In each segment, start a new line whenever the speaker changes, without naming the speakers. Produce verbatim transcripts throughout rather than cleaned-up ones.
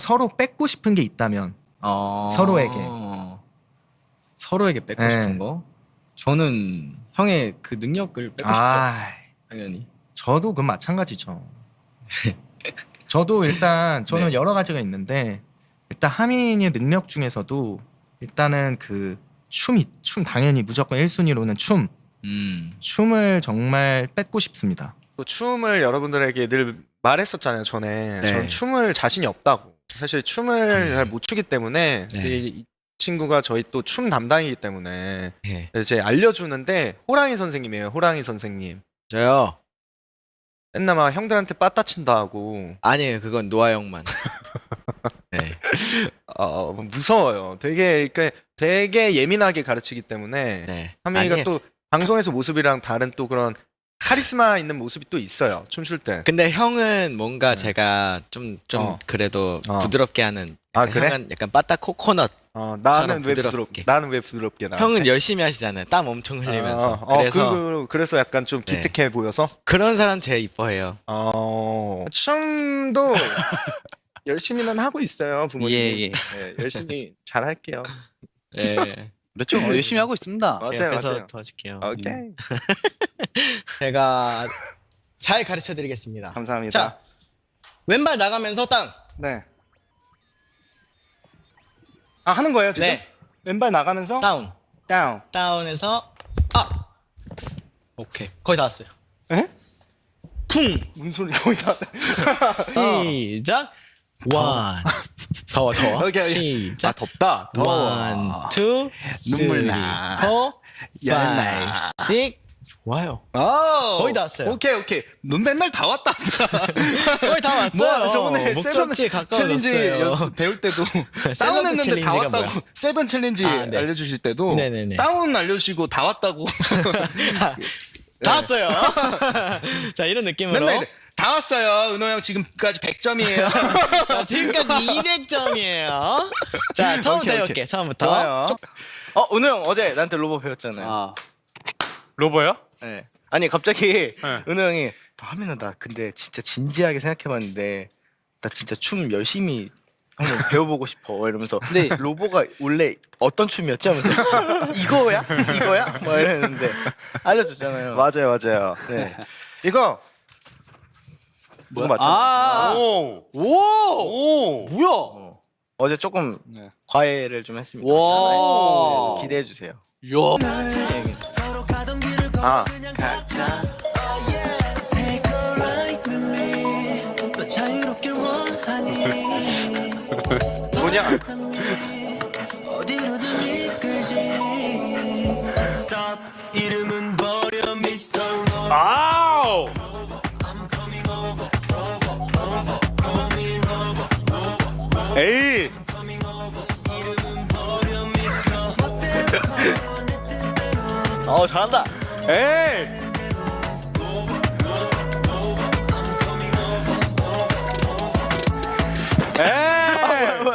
서로 뺏고 싶은 게 있다면
어...
서로에게.
서로에게 뺏고
네.
싶은 거? 저는 형의 그 능력을 뺏고
아,
싶죠. 당연히.
저도 그 마찬가지죠. 저도 일단 저는
네.
여러 가지가 있는데 일단 하민이의 능력 중에서도 일단은 그 춤이 춤 당연히 무조건 일 순위로는 춤.
음.
춤을 정말 뺏고 싶습니다.
또 춤을 여러분들에게 늘 말했었잖아요. 전에
네.
전 춤을 자신이 없다고. 사실 춤을 잘 못 추기 때문에
네.
이, 이 친구가 저희 또 춤 담당이기 때문에
네.
이제 알려주는데 호랑이 선생님이에요. 호랑이 선생님.
저요?
맨날 막 형들한테 빠따친다 하고
아니에요. 그건 노아 형만. 네.
어, 무서워요. 되게 그러니까 되게 예민하게 가르치기 때문에
네.
하민이가
아니에요.
또 방송에서 모습이랑 다른 또 그런 카리스마 있는 모습이 또 있어요. 춤출 때.
근데 형은 뭔가
네.
제가 좀, 좀
어.
그래도
어.
부드럽게 하는.
아,
약간
그래?
형은 약간 빠따 코코넛.
어, 나는
처럼
왜
부드럽게.
부드럽게? 나는 왜 부드럽게 나?
형은 열심히 하시잖아요. 땀 엄청 흘리면서.
어, 어,
그래서
그, 그, 래서 약간 좀
네.
기특해 보여서.
그런 사람 제일 이뻐해요.
어, 춤도 열심히는 하고 있어요, 부모님.
예, 예.
네, 열심히 잘 할게요.
네.
그렇죠. 어, 열심히 하고 있습니다.
맞아요,
제가 옆에서
맞아요.
도와줄게요.
오케이.
제가 잘 가르쳐 드리겠습니다.
감사합니다.
자, 왼발 나가면서 땅.
네. 아, 하는 거예요, 지금?
네.
왼발 나가면서
다운.
다운.
다운에서 업. 오케이. 거의 다 왔어요.
에?
쿵.
무슨 소리 거의 다.
시작. 원. 더워 더워.
오케이, 오케이. 아,
시작.
덥다.
원, 투,
눈물
쓰리,
나.
포,
야,
파이브, 식스. 좋아요.
아,
거의 다 왔어요.
오케이, 오케이. 넌 맨날 다 왔다.
거의 다 왔어요.
뭐, 저번에
목적지에
세븐 챌린지
가까워졌어요.
연습 배울 때도
샐러드
다운했는데 다
챌린지가
왔다고.
뭐야?
세븐 챌린지
아, 네.
알려주실 때도
네네네.
다운 알려주시고 다 왔다고.
다 왔어요. 자, 이런 느낌으로.
맨날 이래. 다 왔어요. 은호 형 지금까지 백 점이에요.
자, 지금까지 이백 점이에요. 자, 처음부터
오케이,
해볼게.
오케이.
처음부터.
좋아요.
어, 은호 형 어제 나한테 로보 배웠잖아요.
아,
로버요?
네. 아니 갑자기
네.
은호 형이 하민아 나 근데 진짜 진지하게 생각해봤는데 나 진짜 춤 열심히 한번 배워보고 싶어 이러면서 근데 로보가 원래 어떤 춤이었지 하면서 이거야? 이거야? 뭐 이랬는데 알려줬잖아요.
맞아요, 맞아요.
네.
이거
뭐야?
이거 맞죠?
아,
오!
오,
오!
뭐야?
어. 어제 조금
네.
과외를 좀 했습니다.
와.
차라리. 네, 기대해 주세요.
야,
아, 뭐냐?
아우! 에이!
어 잘한다.
에이! 에이!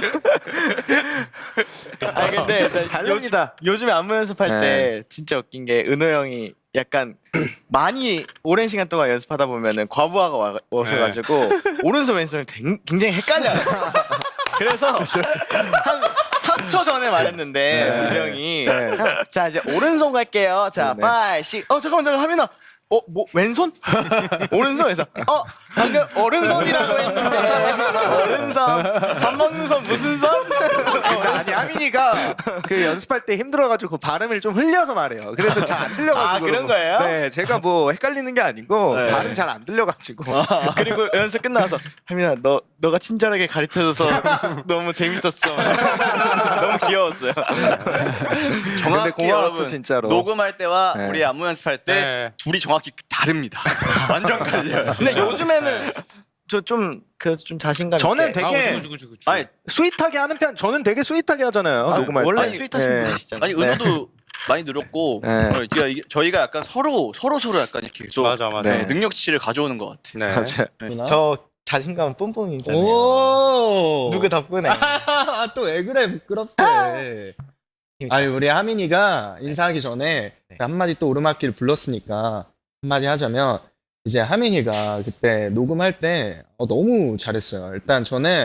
아 근데 나
달립니다.
요, 요즘에 안무 연습할
네.
때 진짜 웃긴 게 은호 형이 약간 많이 오랜 시간 동안 연습하다 보면은 과부하가 와, 오셔가지고 오른손 왼손이 댕- 굉장히 헷갈려요. 그래서 한 삼 초 전에 말했는데
네.
은호 형이
네.
자 이제 오른손 갈게요. 자
네.
파이 식. 어 잠깐만 잠깐 하민아. 어, 뭐 왼손? 오른손에서 어 방금 오른손이라고 했는데 오른손 밥 먹는 손 무슨 손?
근데 아니 하민이가 그 연습할 때 힘들어가지고 발음을 좀 흘려서 말해요. 그래서 잘 안 들려가지고.
아, 그런 거예요?
네, 제가 뭐 헷갈리는 게 아니고
네.
발음 잘 안 들려가지고.
그리고 연습 끝나서 하민아 너 너가 친절하게 가르쳐줘서 너무 재밌었어. 너무 귀여웠어요.
근데 고마웠어
여러분,
진짜로.
녹음할 때와
네.
우리 안무 연습할 때
네.
둘이 정확히 다릅니다. 완전 갈려요.
근데 요즘에는 저 좀 그래서 좀 자신감
저는
있게.
되게
아, 우주구, 우주구, 우주구.
아니,
스윗하게 하는 편. 저는 되게 스윗하게 하잖아요.
아,
녹음할
원래
때.
스윗하신
네.
분이시잖아요.
아니 은호도 많이 늘었고
네.
어, 저희가, 이게- 저희가 약간 서로 서로 서로 약간 이렇게 계속
맞아, 맞아.
네.
능력치를 가져오는 것 같아.
네.
맞아요.
저 자신감 뿜뿜이잖아요.
오.
누구 덕분에?
또 왜 그래 부끄럽대. 아니 우리 하민이가 인사하기 전에
네.
한마디 또 오르막길 불렀으니까 한마디 하자면 이제 하민이가 그때 녹음할 때 어, 너무 잘했어요. 일단 저는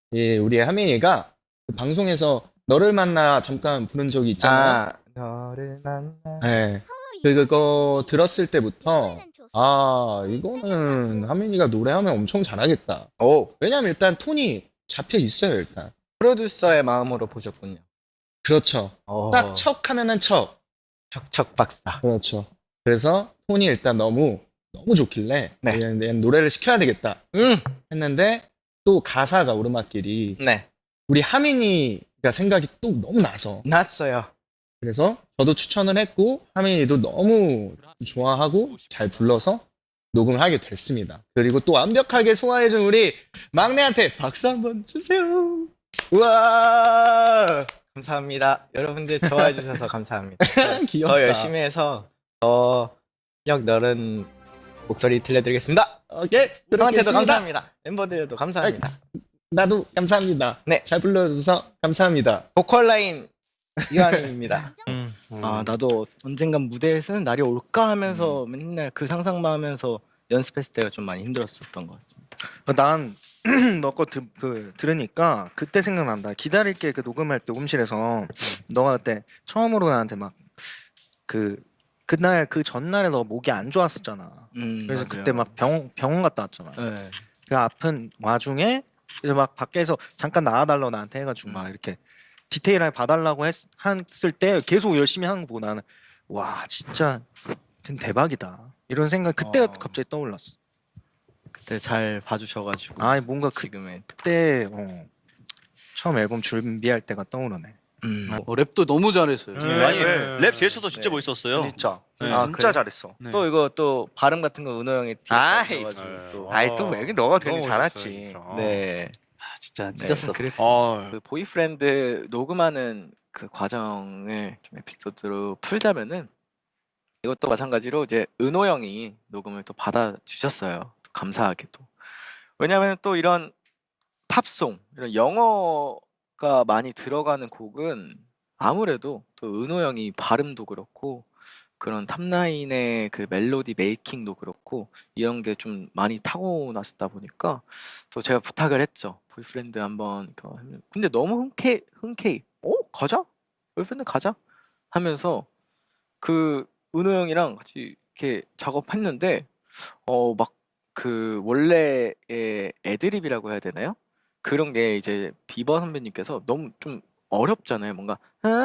이 우리 하민이가 그 방송에서 너를 만나 잠깐 부른 적이 있잖아요.
아, 너를 만나.
네. 그 그거 들었을 때부터 아 이거는 하민이가 노래하면 엄청 잘하겠다.
오,
왜냐면 일단 톤이 잡혀 있어요 일단.
프로듀서의 마음으로 보셨군요.
그렇죠.
오.
딱 척 하면은 척.
척척 박사.
그렇죠. 그래서 톤이 일단 너무 너무 좋길래
네.
얘는 얘는 노래를 시켜야 되겠다
음,
했는데 또 가사가 오르막길이
네,
우리 하민이가 생각이 또 너무 나서
났어요.
그래서 저도 추천을 했고 하민이도 너무 좋아하고 잘 불러서 녹음을 하게 됐습니다. 그리고 또 완벽하게 소화해준 우리 막내한테 박수 한번 주세요. 우와
감사합니다. 여러분들 좋아해 주셔서 감사합니다.
귀엽다.
더 열심히 해서 더역 너른 목소리 들려드리겠습니다.
오케이
형한테도
그렇겠습니다.
감사합니다. 멤버들도 감사합니다.
나도 감사합니다.
네.
잘 불러줘서 감사합니다.
보컬 라인 이완입니다.
음.
아 나도 언젠간 무대에 서는 날이 올까 하면서 맨날 그 상상만 하면서 연습했을 때가 좀 많이 힘들었었던 것 같습니다.
난 너 거 그 들으니까 그때 생각난다. 기다릴게 그 녹음할 때 녹음실에서 너가 그때 처음으로 나한테 막 그 그날 그 전날에 너 목이 안 좋았었잖아.
음,
그래서
맞아요.
그때 막 병, 병원 갔다 왔잖아.
네.
그 아픈 와중에 이제 막 밖에서 잠깐 나와달라고 나한테 해가지고
음.
막 이렇게 디테일하게 봐달라고 했, 했을 때 계속 열심히 하는 거 보고 나는 와 진짜 대박이다 이런 생각 그때
어.
갑자기 떠올랐어.
그때 잘 봐주셔가지고
아 뭔가
지금의
그때 어, 처음 앨범 준비할 때가 떠오르네.
음.
어, 랩도 너무 잘했어요.
네,
아니
네.
랩 제스처도 진짜
네.
멋있었어요.
진짜
네.
아,
아,
진짜
그래?
잘했어.
네.
또 이거 또 발음 같은 거 은호 형이
아이,
뒤에가지고 또
아이 또 왜 너가 되게
너무
잘했지.
멋있어요, 진짜.
네.
아, 진짜
네.
찢었어.
그래,
아,
그 보이프렌드 녹음하는 그 과정을 좀 에피소드로 풀자면은 이것도 마찬가지로 이제 은호 형이 녹음을 또 받아 주셨어요. 또 감사하게도. 왜냐하면 또 이런 팝송 이런 영어가 많이 들어가는 곡은 아무래도 또 은호 형이 발음도 그렇고 그런 탑라인의 그 멜로디 메이킹도 그렇고 이런 게 좀 많이 타고나셨다 보니까 또 제가 부탁을 했죠. 보이프렌드 한번 이렇게 하면 근데 너무 흔쾌 흔쾌히 어 가자 보이프렌드 가자 하면서 그 은호 형이랑 같이 이렇게 작업했는데 어 막 그 원래의 애드립이라고 해야 되나요? 그런 게 이제 비버 선배님께서 너무 좀 어렵잖아요. 뭔가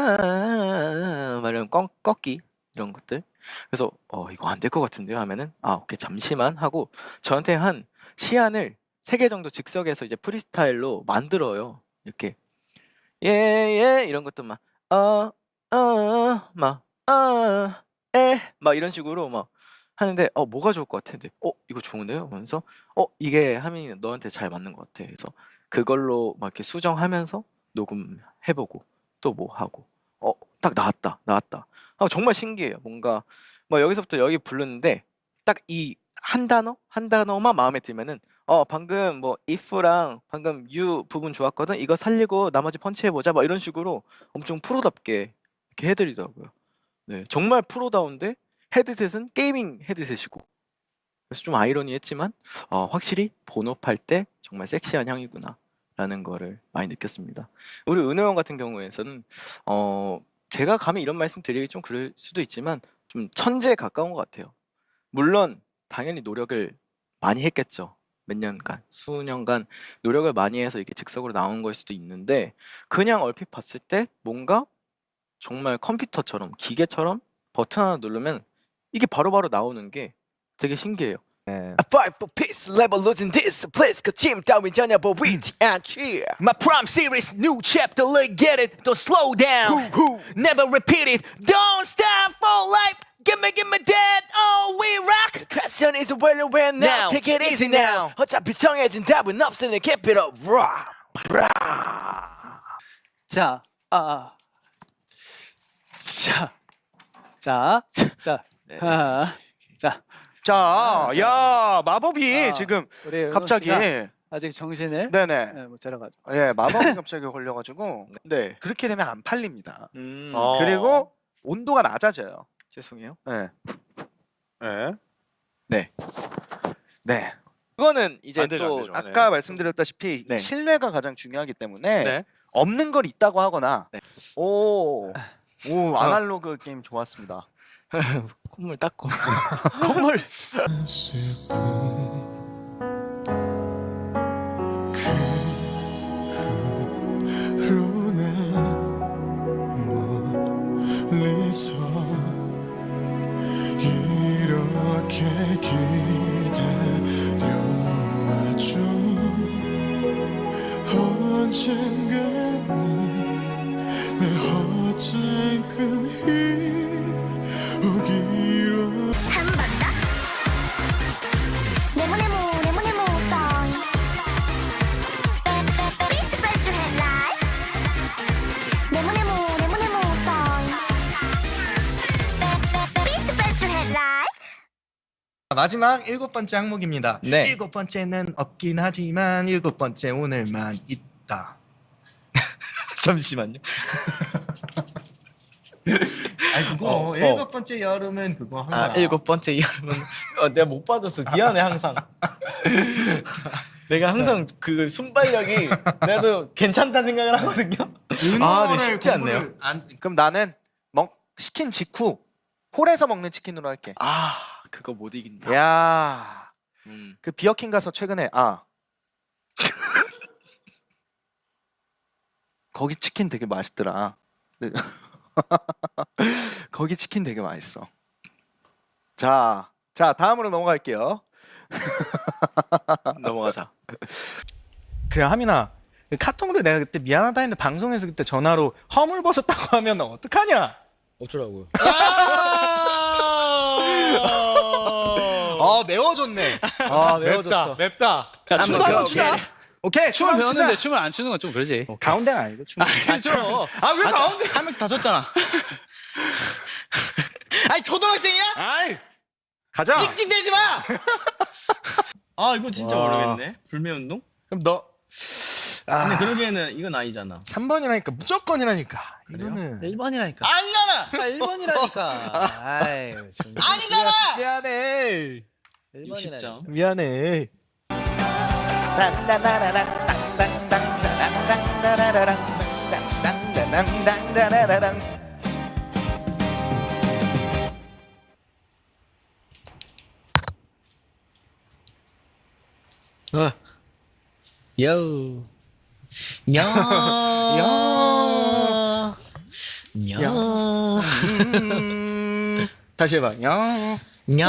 아 막 이런 꺾 꺾기 이런 것들. 그래서 어 이거 안 될 것 같은데요 하면은 아 오케이 잠시만 하고 저한테 한 시안을 세 개 정도 즉석에서 이제 프리스타일로 만들어요. 이렇게 예예 이런 것도 막 어 어 막 어 에 막 이런 식으로 막 하는데 어 뭐가 좋을 것 같아? 근데 어 이거 좋은데요? 하면서 어 이게 하민이 너한테 잘 맞는 것 같아. 그래서 그걸로 막 이렇게 수정하면서 녹음해 보고 또 뭐 하고 어 딱 나왔다 나왔다. 아 정말 신기해요. 뭔가 뭐 여기서부터 여기 부르는데 딱 이 한 단어 한 단어만 마음에 들면은 어 방금 뭐 if랑 방금 you 부분 좋았거든. 이거 살리고 나머지 펀치해 보자. 막 이런 식으로 엄청 프로답게 이렇게 해드리더라고요. 네 정말 프로다운데 헤드셋은 게이밍 헤드셋이고 그래서 좀 아이러니했지만 어, 확실히 본업할 때 정말 섹시한 형이구나라는 거를 많이 느꼈습니다. 우리 은호 형 같은 경우에는 어, 제가 감히 이런 말씀 드리기 좀 그럴 수도 있지만 좀 천재에 가까운 것 같아요. 물론 당연히 노력을 많이 했겠죠. 몇 년간, 수년간 노력을 많이 해서 이게 즉석으로 나온 걸 수도 있는데 그냥 얼핏 봤을 때 뭔가 정말 컴퓨터처럼 기계처럼 버튼 하나 누르면 이게 바로바로 나오는 게 되게 신기해요.
네.
A fight for peace, level losing this place. 거침 따윈 전혀 보이지 않지.
My prime series, new chapter, look get it, don't slow down, never repeat it, don't stop for life, give me, give me that, oh we rock.
The question is where and when now.
Now,
Take it easy
easy
now.
now.
어차피 정해진 답은 없으니 keep it up, raw, raw.
자, 아, 아. 자, 자, 자, 아, 자,
자, 야 마법이
아,
지금
우리 은호
갑자기
씨가 아직 정신을
네네
네, 못 차려가지고.
예 마법이 갑자기 걸려가지고
네.
그렇게 되면 안 팔립니다.
음,
어.
그리고 온도가 낮아져요.
죄송해요.
네.
네.
네.
그거는 이제
안 되죠, 안
또
되죠.
아까
네.
말씀드렸다시피
네.
신뢰가 가장 중요하기 때문에
네.
없는 걸 있다고 하거나
네.
오, 오 아날로그 게임 좋았습니다.
콧물 닦고.
콧물
멀리서 이렇게 기다려와줘 언젠가는 내 헛된 끈이 오기로
네모네모 네모네모 song Beat the best you had life 네모네모 네모네모 song Beat the best you had life
마지막 일곱 번째 항목입니다.
네.
일곱 번째는 없긴 하지만 일곱 번째 오늘만 있다.
잠시만요.
아니 그거
어, 어.
일곱 번째 여름은 그거 한
아
거야.
일곱 번째 여름은 어, 내가 못 받았어. 미안해 항상. 내가 항상 그 순발력이 내도 괜찮다는 생각을 하거든요. 아, 네, 쉽지 않네요.
공부를 안,
그럼 나는 먹 시킨 직후 홀에서 먹는 치킨으로 할게.
아 그거 못 이긴다.
야,
음.
그 비어킹 가서 최근에 아 거기 치킨 되게 맛있더라. 네. 거기 치킨 되게 맛있어. 자, 자 다음으로 넘어갈게요.
넘어가자.
그래 하민아 그 카톡으로 내가 그때 미안하다 했는데 방송에서 그때 전화로 허물 벗었다고 하면 어떡하냐?
어쩌라고요?
아 매워졌네. 아 매워졌어.
맵다.
야, 춤도 한번 추자.
오케이
춤을
춤
배웠는데
추자.
춤을 안 추는 건 좀 그러지.
가운데가 아니고 춤.
춰.
아왜 가운데?
한 명씩 다 줬잖아. 아니 초등학생이야?
아이 가자.
찍찍대지 마. 아 이거 진짜
와.
모르겠네. 불매운동?
그럼 너
근데 그러기에는 이건 아니잖아.
삼 번이라니까 무조건이라니까. 이거는
일 번이라니까.
아니잖아.
아, 일 번이라니까. 아이, 좀.
아니잖아.
미안해.
일
육십
번이라니까.
점.
미안해.
땅땅따라랑 땅땅땅땅땅따라랑 땅땅땅땅따라랑
어. 요. 야. 야. 야.
음, 다시 해봐. 야.
야.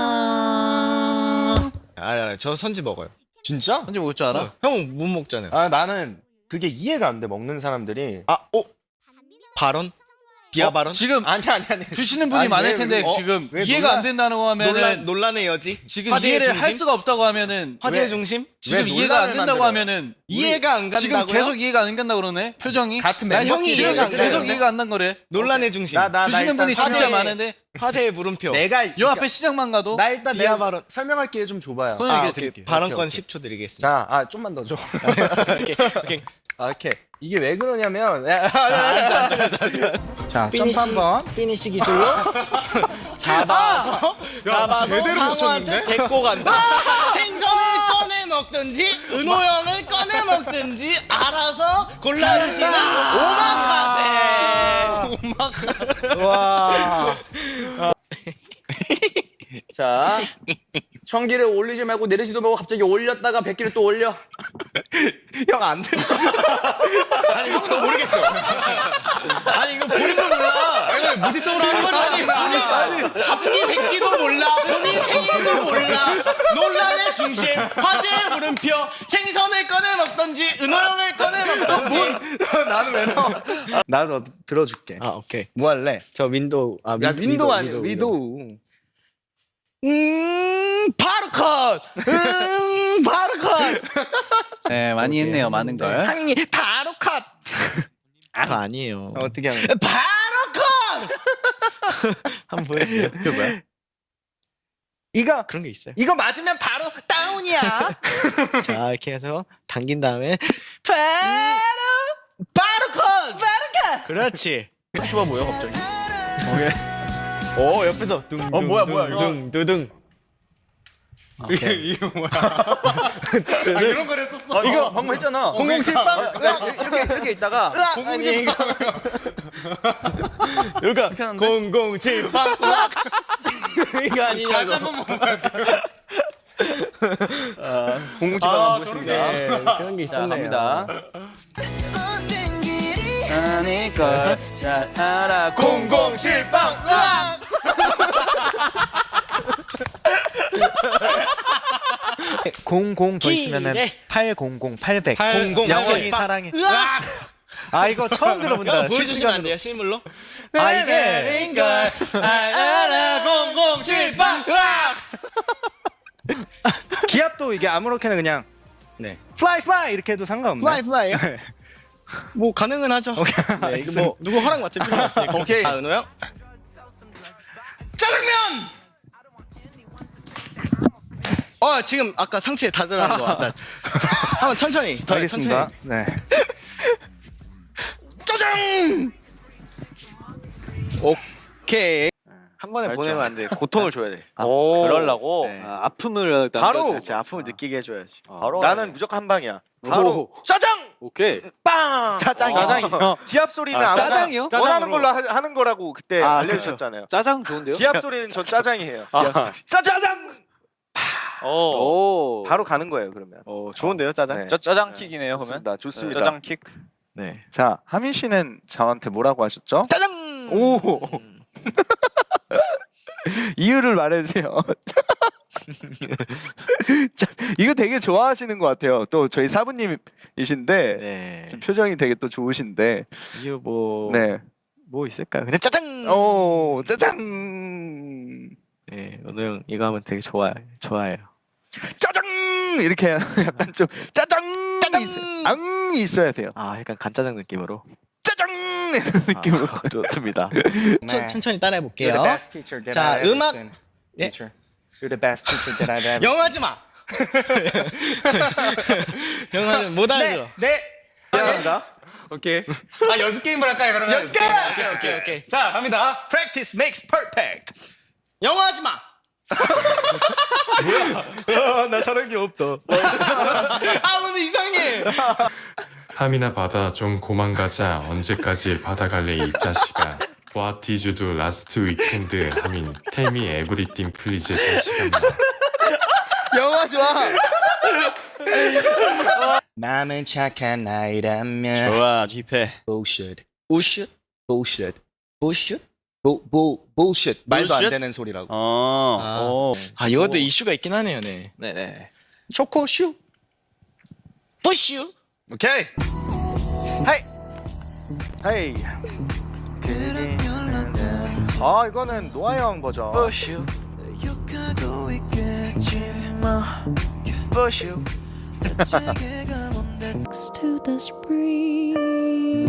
알아, 알아. 저 선지 먹어요.
진짜?
언제 먹을 줄 알아?
형 못 먹잖아요.
아 나는 그게 이해가 안 돼. 먹는 사람들이.
아, 어? 발언? 비하 발언?
지금
아니 아니 아니.
드시는 분이
아니,
많을
왜,
텐데
왜, 어?
지금
왜
이해가
놀라-
안 된다는 거 하면은
논란 논란의 여지?
지금
화제의
이해를
중심?
할 수가 없다고 하면은
화제의
왜?
중심?
지금
왜
이해가 안
논란을
된다고
만들어요?
하면은
이해가 안 간다고요?
지금 계속 이해가 안 간다 그러네. 표정이
같은
난
멤버.
형이
지금
이해가 안
계속
가는데?
이해가 안 난 거래.
논란의 중심.
나, 나, 나
드시는
일단
분이 진짜
화제의-
많은데
화제의 물음표.
내가
요 앞에 시장만 가도
나 일단
비하
내가
발언.
설명할 기회 좀 줘봐요.
손-
아,
얘기해
오케이.
드릴게요.
발언권
오케이, 오케이.
십 초 드리겠습니다.
자, 아 좀만 더 줘.
오케이. 오케이.
아, 이렇게 이게 왜 그러냐면 자, 점프
피니시,
한번.
피니시 기술로 잡아서 잡아서
제대로
상어한테
붙였는데?
데리고 간다. 생선을 꺼내 먹든지 은호 형을 꺼내 먹든지 알아서 골라주시는 오마카세.
와.
자, 청기를 올리지 말고 내리지도 말고 갑자기 올렸다가 백기를 또 올려.
형 안 돼.
아니 이거 저 모르겠죠. 아니 이거 보는 거 몰라. 아니 무지성으로 하는 거죠. 아니 아니 아니.
청기 백기도 몰라. 본인 생일도 몰라. 논란의 중심. 화제의 물음표. 생선을 꺼내 먹든지 은호 형을 꺼내 먹든지.
나는 왜 나와? 나도 들어줄게.
아 오케이.
뭐 할래?
저 윈도우. 아
야, 윈도우 아니야. 위도우.
음 바로 컷. 음 바로 컷.
네, 많이 했네요. 많은 걸.
항이 바로 컷.
그거 아니에요.
어, 어떻게 하는?
바로 컷. 한번 보여주세요. 그게 뭐야?
이거
그런 게 있어요.
이거 맞으면 바로 다운이야.
자 이렇게 해서 당긴 다음에 바로 바로 컷. 바로 컷. 그렇지.
좋아 보여 갑자기.
오 옆에서 둥둥
어, 뭐야, 뭐야, 이거.
둥둥 두둥.
이게 뭐야? 아, 이런 걸 했었어.
이거 방금 했잖아.
공공칠빵.
이렇게 이렇게 있다가
공공칠빵. 그러니까 공공칠빵. 이거 아니냐고. 다시 한번 봐야 돼.
공공지방
아,
안 보십니다.
네, 그런 게
자,
있었네요.
갑니다. 아닐 걸잘 알아.
공공칠빵.
공공 더 있으면은
기대.
팔공공 팔백.
공공
영원히
칠빵.
사랑해. 아 이거 처음 들어본다.
보여주시면 안 돼요, 실물로?
아 이게
알아 공공칠빵.
기압도 이게 아무렇게나 그냥
네.
fly fly 이렇게 해도 상관없네.
플라이 플라이요? 뭐 가능은 하죠. 네, 이거 뭐 누구 허락 맡을 필요 없으니까.
오케이.
아, 은호 형.
짜장면.
어, 지금 아까 상체에 다 들어간 거 같다. 한번 천천히. 더
알겠습니다.
천천히.
네.
짜장. 오케이. 한 번에
알죠.
보내면 안 돼. 고통을 줘야 돼.
그러려고
네.
아, 아픔을 일단
바로!
껴줘야지.
진짜 아픔을 느끼게 해줘야지.
바로
나는 무조건 한 방이야.
바로
짜장.
오케이.
빵.
짜장이요?
짜장이요?
기합 소리는
아,
아무나
짜장이요?
원하는 걸로 하, 하는 거라고 그때
아,
알려주셨잖아요.
짜장 좋은데요?
기합 소리는 전 짜장이에요.
아.
짜자장.
오.
바로 가는 거예요 그러면.
어, 좋은데요, 짜장?
네.
짜 짜장 킥이네요 그러면.
좋습니다. 좋습니다.
짜장 킥.
네. 자 하민 씨는 저한테 뭐라고 하셨죠?
짜장.
오. 이유를 말해주세요. 자, 이거 되게 좋아하시는 것 같아요. 또 저희 사부님이신데
네.
지금 표정이 되게 또 좋으신데.
이유 뭐.
네.
뭐 있을까요? 근데 짜장.
오 짜장.
네, 은호 형 이거 하면 되게 좋아요. 좋아해요.
짜장 이렇게 약간 좀 짜장
짜장!
있- 앙이 있어야 돼요.
아, 약간 간짜장 느낌으로.
짜장 이런 느낌으로.
아, 좋습니다.
네.
천, 천천히 따라해
You're
볼게요.
the best teacher that
자,
I've ever
음악-
seen.
네.
Teacher. You're the best teacher that I've ever.
영하지 마. 영하는 못 알아들어.
네.
미안합니다.
오케이. 아 연습 게임을 할까요 그러면?
연습 게임! 오케이, 오케이, 오케이.
자 갑니다.
Practice makes perfect. 영하지 마.
나 사랑이 없다.
아, 오늘 이상해.
함이나 받아 좀 고만가자. 언제까지 받아갈래 이 자식아. What did you do last weekend? 하민 Tell me everything please 자식아.
영하지 마. 마음은 착한 아이라면.
좋아 힙해.
bullshit. bullshit. bullshit. bullshit. 부, 부, bullshit. 말도 안
bullshit?
되는 소리라고.
어.
아.
오.
아, 이것도 이슈가 있긴 하네요, 네.
네네.
초코슈. 부슈.
오케이. 하이. 하이. 아 이거는 노아 형 버전.
부슈. 부슈.
to the spring.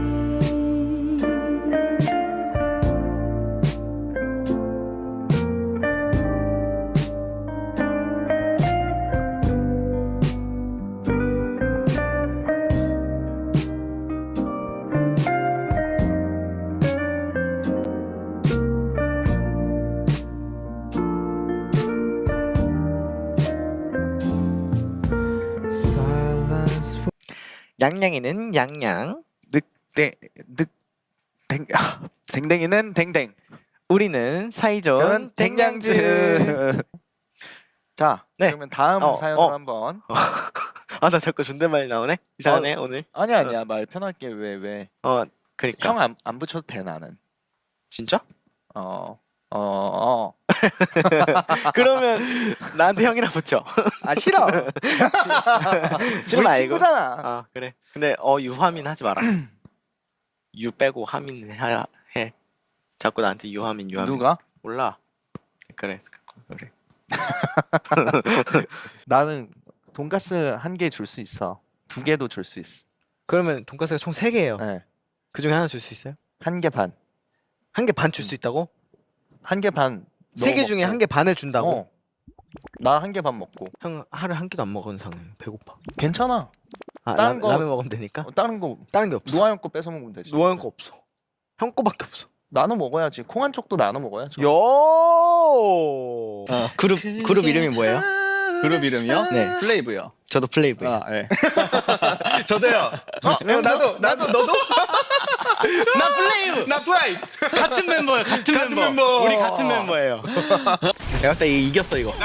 양양이는 양양.
늑대 늑댕 아, 댕댕이는 댕댕.
우리는 사이좋은
저는
댕냥즈.
댕냥즈. 자,
네.
그러면 다음
어,
사연을
어.
한번.
아, 나 자꾸 존댓말이 나오네. 이상하네 오늘.
아니야 아니야 말 편할게 왜 왜.
어, 그러니까.
형 안 안 붙여도 돼 나는.
진짜?
어. 어, 어.
그러면 나한테 형이라 붙여.
아 싫어.
싫어
우리
말고.
친구잖아.
아, 그래. 근데 어 유하민 하지 마라. 유 빼고 하민 해. 해. 자꾸 나한테 유하민 유하민.
누가?
몰라. 그래. 그래.
나는 돈가스 한 개 줄 수 있어. 두 개도 줄 수 있어.
그러면 돈가스가 총 세 개예요.
네.
그 중에 하나 줄 수 있어요?
한 개 반.
한 개 반 줄 수 있다고?
한 개 반.
세 개 중에 한 개 반을 준다고?
어. 나 한 개 반 먹고.
형 하루에 한 끼도 안 먹은 상은 배고파.
괜찮아.
아,
다른
라,
거-
라면 먹으면 되니까?
어, 다른 거
다른 게 없어.
노아 형 거 뺏어 먹으면 되지.
노아 형 거 없어. 형 거밖에 없어.
나눠 먹어야지. 콩 한 쪽도 나눠 먹어야죠.
요. 그룹 그룹 이름이 뭐예요?
그룹 이름이요?
네.
플레이브요.
저도 플레이브예요.
아, 네.
저도요. 어, 형, 나도 나도 너도?
나 플레이브.
나 플라이.
같은 멤버예요. 같은,
같은
멤버.
멤버.
우리 같은 멤버예요. 내가 봤을 때 이겼어 이거.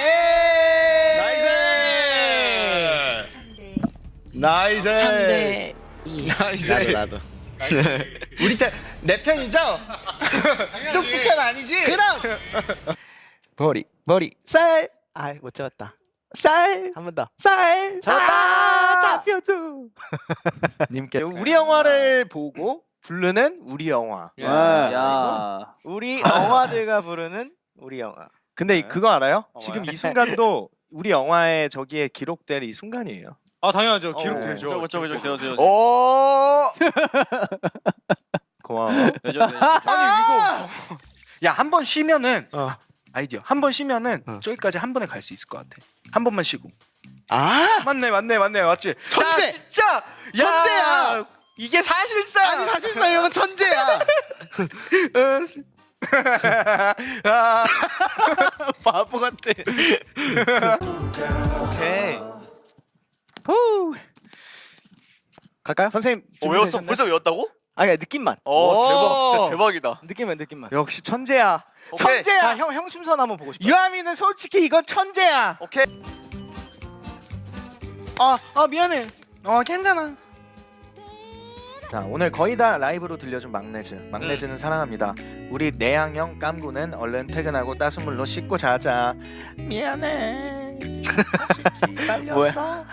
나이스.
삼 대 이.
나이스.
나도 나도.
우리 편, 내 편이죠? 뚝스 편 아니지?
그럼 머리 머리 쌀. 아못 잡았다. 쌀. 한 번 더. 쌀. 잡았다. 잡혀도.
님께 우리 영화를 보고 부르는 우리 영화.
야.
우리 영화들과 부르는 우리 영화.
근데 그거 알아요? 지금 이 순간도 우리 영화에 저기에 기록될 이 순간이에요.
아 당연하죠.
어,
기록되죠.
저거 저거 저거 저거.
오.
고마워.
되죠 되죠.
아니 이거 야 한 번 쉬면은
어.
아이디어 한 번 쉬면은
어.
저기까지 한 번에 갈 수 있을 것 같아. 한 번만 쉬고.
아.
맞네 맞네 맞네 맞지.
천재!
자, 진짜
천재야!
이게 사실상
아니 사실상 이건 천재야.
아,
바보 같아.
오케이. 후. 갈까요? 선생님
어, 외웠어?
준비되셨나요?
벌써 외웠다고?
아니 느낌만.
어 대박. 진짜 대박이다.
느낌만 느낌만.
역시 천재야.
오케이.
천재야.
아, 형, 형 춤선 한번 보고 싶어.
유아미는 솔직히 이건 천재야.
오케이.
아, 아 미안해. 어 괜찮아. 자 오늘 거의 다 라이브로 들려준 막내즈. 막내즈는 사랑합니다. 우리 내향형 깜구는 얼른 퇴근하고 따순물로 씻고 자자. 미안해. 솔직히 빨렸어.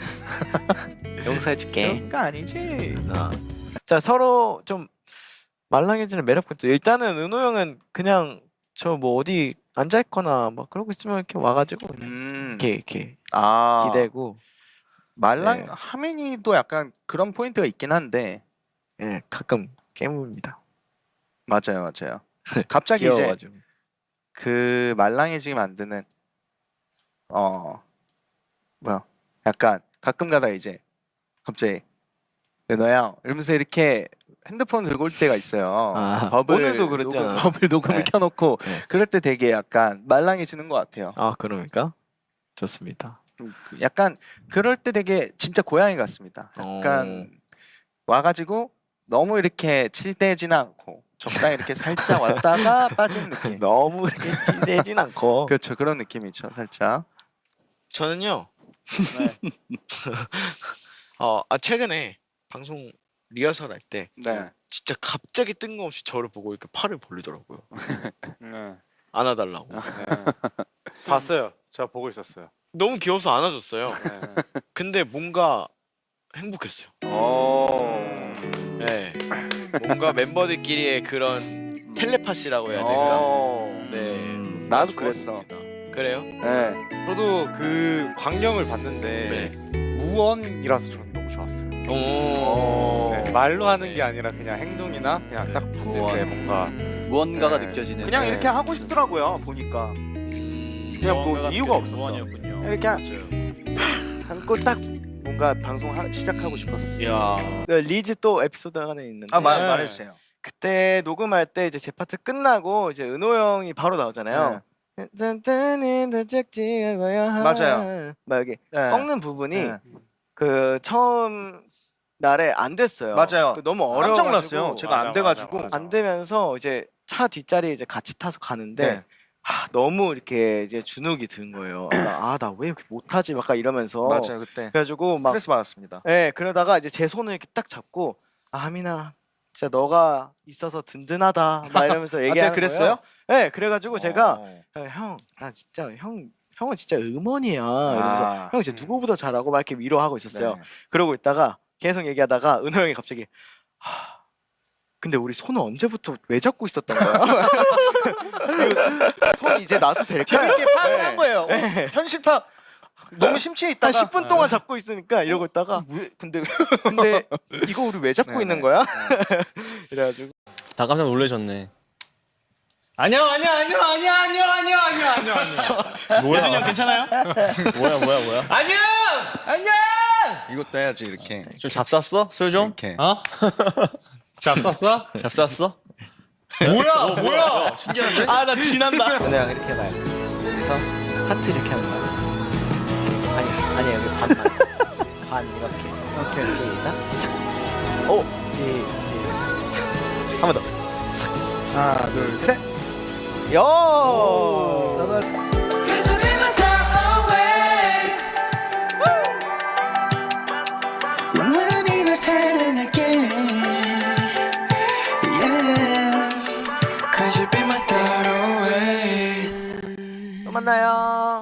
용서해줄게.
그거 아니지.
자 서로 좀 말랑해지는 매력부터. 일단은 은호 형은 그냥 저 뭐 어디 앉아 있거나 막 그러고 있으면 이렇게 와가지고 그냥
음.
이렇게 이렇게
아
기대고.
말랑
네.
하민이도 약간 그런 포인트가 있긴 한데
예 가끔 깨뭅니다.
맞아요 맞아요. 갑자기 이제
귀여워가지고.
그 말랑해지게 만드는 어 뭐야 약간 가끔가다 이제 갑자기 은호야 이러면서 이렇게 핸드폰 들고 올 때가 있어요.
아,
버블
오늘도 그랬잖아.
녹음, 버블 녹음을
네.
켜놓고
네.
그럴 때 되게 약간 말랑해지는 것 같아요.
아 그러니까 좋습니다.
좀 그- 약간 그럴 때 되게 진짜 고양이 같습니다. 약간 와가지고 너무 이렇게 치대진 않고 적당히 이렇게 살짝 왔다가 빠지는 느낌.
너무 이렇게 기대진 않고.
그렇죠 그런 느낌이죠 살짝.
저는요. 어, 아 최근에 방송 리허설 할 때
네.
진짜 갑자기 뜬금없이 저를 보고 이렇게 팔을 벌리더라고요.
네.
안아달라고.
봤어요. 제가 보고 있었어요.
너무 귀여워서 안아줬어요.
네.
근데 뭔가 행복했어요.
오.
네. 뭔가 멤버들끼리의 그런 텔레파시라고 해야 될까?
어.
네.
나도
좋았습니다. 그래요?
네.
저도 그 광경을 봤는데
네.
무언이라서 저는 너무 좋았어요.
오.
네, 말로 하는 게 아니라 그냥 행동이나 그냥 딱 봤을
무언.
때 뭔가
무언가가
네.
느껴지는.
그냥
네.
이렇게 하고 싶더라고요 보니까.
음,
그냥 뭐
무언가가
이유가
느껴지는
없었어.
무언이었군요.
이렇게 하-
맞아요.
한고 딱 뭔가 방송 하, 시작하고 싶었어.
이야. 리즈 또 에피소드 하나 있는데.
아 말,
네.
말해주세요.
그때 녹음할 때 이제 제 파트 끝나고 이제 은호 형이 바로 나오잖아요.
맞아요.
막 여기
네.
꺾는 부분이
네.
그 처음 날에 안 됐어요.
맞아요.
그 너무 어려워.
깜짝 놀랐어요. 제가
맞아,
안 돼가지고.
맞아, 맞아.
안 되면서 이제 차 뒷자리에 이제 같이 타서 가는데
네.
아, 너무 이렇게 이제 주눅이 든 거예요. 아 나 왜 이렇게 못하지? 막 이러면서.
맞아요 그때
그래가지고 막
스트레스 받았습니다.
예, 그러다가 이제 제 손을 이렇게 딱 잡고 아 하민아 진짜 너가 있어서 든든하다 막 이러면서
아
얘기하는
제가 그랬어요?
거예요. 예, 그래가지고 제가
어.
야, 형, 나 진짜 형 형은 진짜 음원이야 이러면서
아.
형 진짜 누구보다 잘하고 막 이렇게 위로하고 있었어요.
네.
그러고 있다가 계속 얘기하다가 은호 형이 갑자기 하, 근데 우리 손을 언제부터 왜 잡고 있었던 거야? 이거 손 이제 놔도 될까?
재밌게 파악을
네.
한 거예요.
네.
현실 파악. 너무 심취해
한
있다가
십 분 동안 잡고 있으니까 이러고 있다가
왜 근데
근데 이거 우리 왜 잡고
네,
있는
네.
거야? 이래가지고
다 깜짝 놀라셨네.
안녕 안녕 안녕 안녕 안녕 안녕 안녕 안녕 안녕.
예준이 형 괜찮아요? 뭐야 뭐야 뭐야?
안녕 안녕. 이것도 해야지 이렇게.
좀 잡쌌어? 술 좀?
이렇게.
어?
잡쌌어?
잡쌌어?
뭐야 뭐야
아 나 지난다.
연애랑 이렇게 해봐요. 그래서 하트 이렇게 하는 거야. 아니 아니 여기 반반 반 이렇게. 오케이 시작. 싹. 오 시, 시작. 한 번 더. 싹. 하나 둘 셋. 요. 나도
영원히 널 사랑할게. Yeah. Cause you be my star always.
또 만나요.